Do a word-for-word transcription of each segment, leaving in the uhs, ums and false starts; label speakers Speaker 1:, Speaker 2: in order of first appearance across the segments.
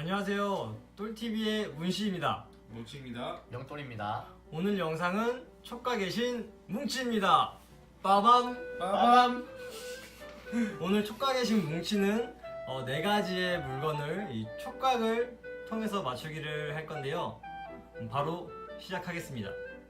Speaker 1: 안녕하세요. 똘티비의 문씨입니다.
Speaker 2: 뭉치입니다.
Speaker 3: 영돌입니다.
Speaker 1: 오늘 영상은 촉각 계신 뭉치입니다. 빠밤!
Speaker 2: 빠밤.
Speaker 1: 오늘 촉각 계신 뭉치는 어, 네 가지의 물건을 이 촉각을 통해서 맞추기를 할 건데요. 음, 바로 시작하겠습니다.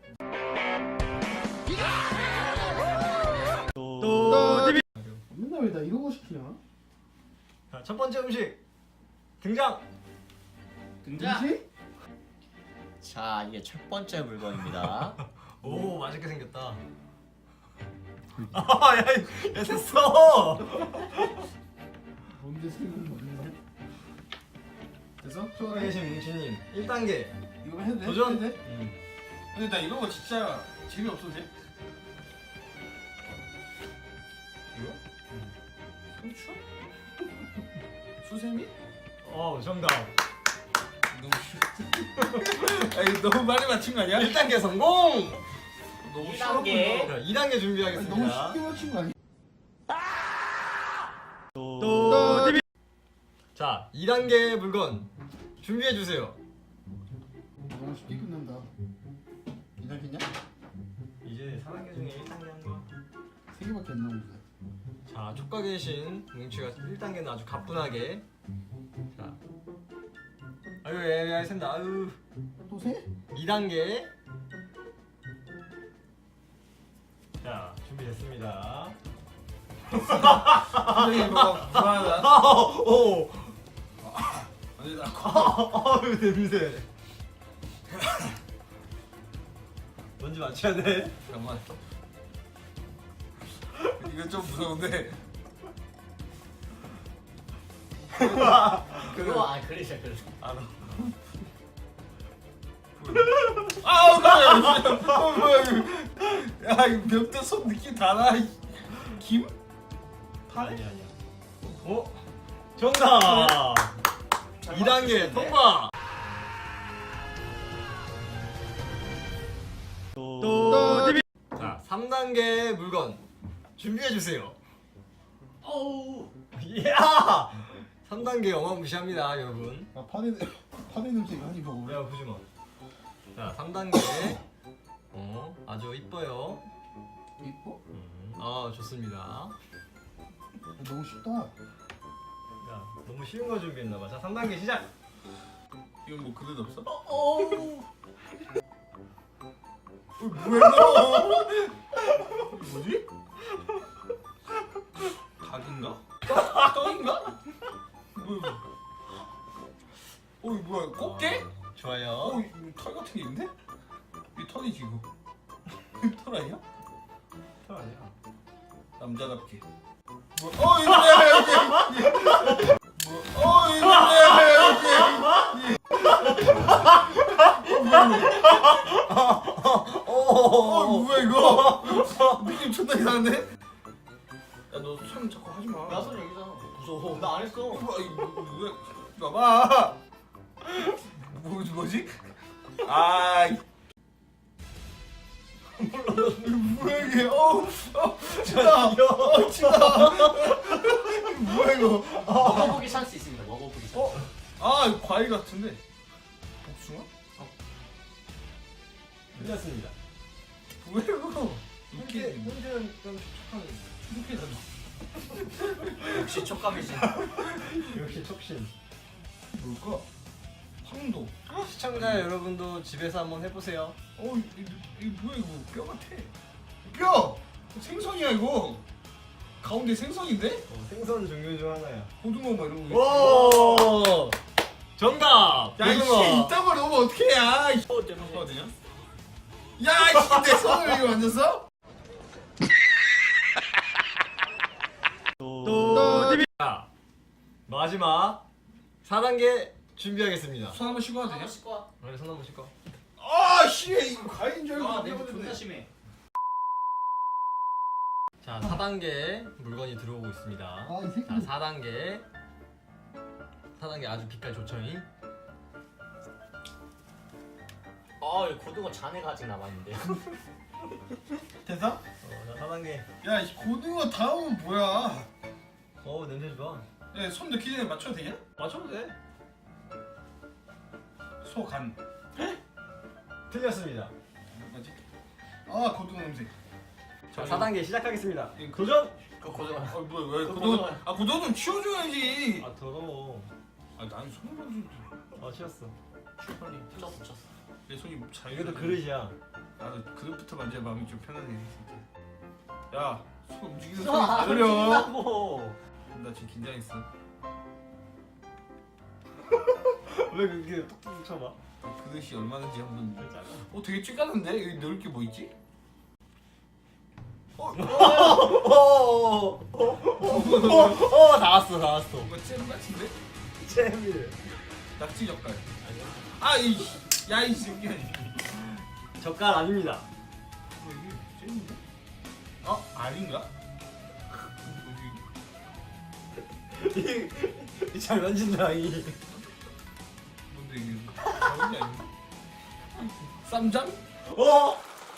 Speaker 1: 똘티비!
Speaker 4: 맨날 왜 나 이러고 시키냐?
Speaker 1: 자, 첫 번째 음식 등장!
Speaker 2: 등장.
Speaker 4: 뭐지?
Speaker 3: 자, 이게 첫 번째 물건입니다.
Speaker 1: 오, 맛있게 생겼다. 아, 야, 야, 됐어!
Speaker 4: 뭔데 생긴 거냐?
Speaker 2: 됐어?
Speaker 1: 촉각 계신 뭉치님 일 단계
Speaker 2: 이거 해도 돼?
Speaker 1: 도전!
Speaker 2: 해도 돼?
Speaker 1: 음.
Speaker 2: 근데 나 이런 거 진짜 재미없어도 돼? 이거? 상추? 수세미?
Speaker 1: 어, 정답.
Speaker 2: 너무 쉬워. 아니 너무 많이 맞춘 거 아니야?
Speaker 1: 일 단계 성공!
Speaker 2: 너무
Speaker 3: 이
Speaker 2: 쉬워.
Speaker 3: 단계.
Speaker 1: 자, 이 단계
Speaker 4: 아니,
Speaker 1: 준비하겠습니다.
Speaker 4: 너무 쉽게 맞춘 거 아니야?
Speaker 1: 똘티비! 자, 이 단계 물건 준비해 주세요.
Speaker 4: 너무 쉽게 끝난다. 이 단계냐?
Speaker 1: 이제 사 단계 중에 일 단계 한 거.
Speaker 4: 세 개밖에 안 나오는데.
Speaker 1: 자, 촉각 계신 뭉치가 일 단계는 아주 가뿐하게. 자, 아유, 애매하게 샌다. 아유,
Speaker 4: 또 세?
Speaker 1: 이 단계. 자, 준비됐습니다.
Speaker 2: 표정이 뭐가 불안하다.
Speaker 1: 아, 오,
Speaker 2: 아니 나
Speaker 1: 아유, 냄새. 뭔지 맞춰야 돼.
Speaker 2: 잠깐만. 이거 좀 무서운데.
Speaker 3: 그거 아 그러셔 그러셔.
Speaker 1: 알아.
Speaker 2: 아우 뭐야? 어 뭐야 이거? 야 이거 멱대 손 느낌 다 나. 김?
Speaker 1: 아니야, 아니야. 어? 정답! 이 단계 통과! 똘티비! 자, 삼 단계 물건 준비해주세요.
Speaker 3: 어우.
Speaker 1: 이야! 삼 단계 어마무시합니다, 여러분.
Speaker 4: 아 파네 파네 냄새 많이 먹어.
Speaker 1: 야, 보지 마. 자, 삼 단계. 어, 아주 이뻐요.
Speaker 4: 이뻐?
Speaker 1: 음, 아, 좋습니다.
Speaker 4: 아, 너무 쉽다.
Speaker 1: 야, 너무 쉬운 거 준비했나봐. 자, 삼 단계 시작!
Speaker 2: 이건 뭐 그릇 없어?
Speaker 3: 어우.
Speaker 2: 어, 뭐야 이거? 뭐지? 닭인가? 떡? 떡인가? 뭐야? 어 이거 뭐야? 꽃게?
Speaker 1: 좋아요.
Speaker 2: 어, 이거 털 같은 게 있는데? 이 털이지 이거. 이거 털 아니야?
Speaker 1: 털 아니야.
Speaker 2: 남자답게. 뭐, 어 이거 뭐야 여기. 뭐, 어 이거 뭐야 여기. 어 뭐야 이거? 느낌 존나 이상한데? 야 너 손 자꾸 하지 마.
Speaker 3: 나선 여기잖아. 무서워. 나 안 했어.
Speaker 2: 뭐, 이거 뭐야? 봐봐. 뭐 뭐지? 아. 이- 뭐야 이게? 어, 어, 진짜, 어, 진짜. 뭐야 이거?
Speaker 3: 먹어보기 찬스 있습니다. 먹어보기 찬스.
Speaker 2: 어, 아, 이거 과일 같은데. 복숭아?
Speaker 1: 끝났습니다.
Speaker 2: 뭐야 이거?
Speaker 1: 이렇게
Speaker 2: 이렇게
Speaker 1: 흔들은 좀 촉촉한.
Speaker 2: 이렇게 다.
Speaker 3: 역시 촉감이신.
Speaker 1: 역시 촉신.
Speaker 2: 뭘까? 황도.
Speaker 1: 시청자 여러분도 집에서 한번 해보세요.
Speaker 2: 어, 이, 이, 이 뭐야 이거? 뼈 같아. 뼈! 생선이야 이거. 가운데 생선인데?
Speaker 1: 어, 생선 종류 중 하나야.
Speaker 2: 고등어 뭐 이런 거.
Speaker 1: 오! 정답!
Speaker 2: 야, 이씨,
Speaker 1: 고등어.
Speaker 2: 이딴 걸 넣으면 어떡해, 야! 이씨.
Speaker 3: 어, 되는 거.
Speaker 2: 거든요? 야, 이씨, 내 손을 이거 만졌어?
Speaker 1: 똘티비! 자, 마지막 사 단계 준비하겠습니다.
Speaker 2: 손 한번 쉬고 와도
Speaker 3: 아,
Speaker 2: 되냐?
Speaker 3: 씻고 와.
Speaker 1: 그래, 손 한번 씻고.
Speaker 2: 아, 씨, 이거 과일인 줄 알고.
Speaker 3: 아,
Speaker 2: 안
Speaker 3: 냄새
Speaker 2: 해봤는데.
Speaker 3: 존나 심해.
Speaker 1: 자, 사 단계 물건이 들어오고 있습니다.
Speaker 4: 아, 이 새끼.
Speaker 1: 자, 사 단계. 사 단계 아주 빛깔 좋죠잉?
Speaker 3: 아, 이 고등어 잔해가 아직 남아있는데.
Speaker 2: 됐어?
Speaker 1: 어, 자, 사 단계.
Speaker 2: 야, 이 고등어 다음은 뭐야?
Speaker 1: 어, 냄새 좋아.
Speaker 2: 야, 손 넣기 전에 맞춰도 되냐?
Speaker 1: 맞춰도 돼.
Speaker 2: 소간.
Speaker 1: 틀렸습니다.
Speaker 2: 맞지? 아 고등어 냄새.
Speaker 1: 자, 사 단계 시작하겠습니다.
Speaker 2: 이거-
Speaker 1: 도전!
Speaker 3: 그 고등어.
Speaker 2: 아 뭐야 왜
Speaker 3: 그
Speaker 2: 고등어?
Speaker 3: 고등어.
Speaker 2: 아 고등어 좀 치워줘야지.
Speaker 1: 아, 더러워.
Speaker 2: 아 나는 손을 좀.
Speaker 1: 아, 치웠어.
Speaker 2: 치워 빨리.
Speaker 3: 쳤어 쳤어.
Speaker 2: 내 손이 잘.
Speaker 1: 이것도 그릇이야.
Speaker 2: 나도 그릇부터 만져야 마음이 좀 편하네 진짜. 야, 손 움직이는
Speaker 3: 아,
Speaker 2: 소리 다 들려.
Speaker 3: 움직인다고.
Speaker 2: 나 지금 긴장했어.
Speaker 1: 왜 그렇게 톡톡 쳐봐?
Speaker 2: 그릇이 얼마인지 한번.
Speaker 1: 진짜.
Speaker 2: 어, 되게 찌까는데 여기 넣을 게 뭐 있지? 어,
Speaker 1: 오! 오! 다 왔어, 다 왔어.
Speaker 2: 뭔가 잼 같은데?
Speaker 1: 잼이래.
Speaker 2: 낙지 젓갈. 아, 이, 야, 이 새끼야.
Speaker 1: 젓갈 아닙니다.
Speaker 2: 뭐 이게 잼인데? 어, 알인가? 뭐지?
Speaker 1: 이- 잘 만진다, 이.
Speaker 2: 뭔데 이게? 알인이 아닌가? 쌈장?
Speaker 1: 어?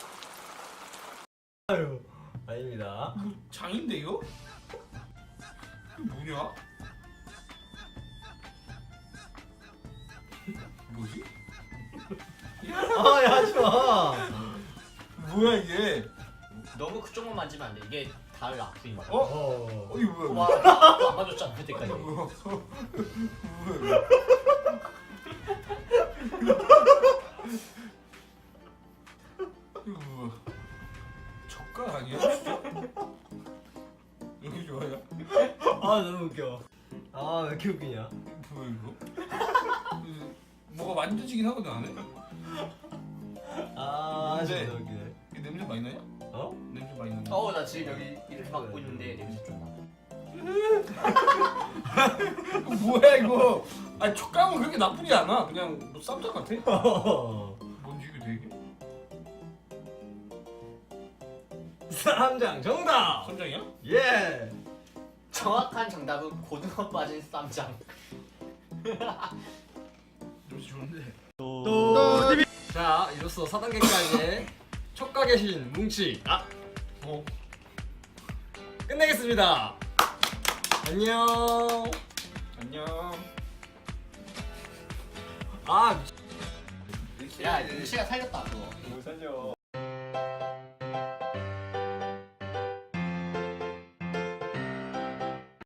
Speaker 1: 아유, 아닙니다.
Speaker 2: 뭐 장인데 이거? 이게 뭐냐? 뭐지?
Speaker 1: 아, 야, 하지 마.
Speaker 2: 뭐야 이게?
Speaker 3: 너무 그쪽만 만지면 안 돼. 이게 달 아프인 거야.
Speaker 2: 어?
Speaker 1: 어.
Speaker 2: 어 이거 뭐야?
Speaker 3: 와, 나안 맞았잖아 그때까지.
Speaker 2: 이거 뭐야? 뭐야? 이거 뭐야? 젓갈 아니야? 진짜? 여기 좋아요?
Speaker 1: 아, 너무 웃겨. 아, 왜 이렇게 웃기냐?
Speaker 2: 뭐야 이거? 이거 뭐가 만져지긴 하거든 안에?
Speaker 1: 아,
Speaker 2: 근데-
Speaker 1: 진짜 웃기네.
Speaker 2: 이 냄새 많이 나냐?
Speaker 1: 어?
Speaker 2: 냄새 많이 나냐?
Speaker 3: 어, 나 지금 여기 이렇게 맡고 있는데 냄새 좀 나.
Speaker 2: 이거 뭐야 이거? 아니 촉감은 그렇게 나쁘지 않아. 그냥 뭐 쌈장 같아. 뭔지 이게 되게?
Speaker 1: 쌈장 정답!
Speaker 2: 쌈장이야?
Speaker 1: 예!
Speaker 3: 정확한 정답은 고등어 빠진 쌈장.
Speaker 2: 냄새 좋은데.
Speaker 1: 또 티비. 자, 이로써 사 단계까지 촉각의 신 뭉치 아!
Speaker 2: 어?
Speaker 1: 끝내겠습니다. 안녕.
Speaker 2: 안녕.
Speaker 1: 아,
Speaker 3: 야, 눈치가 살렸다 그거.
Speaker 1: 못 살려.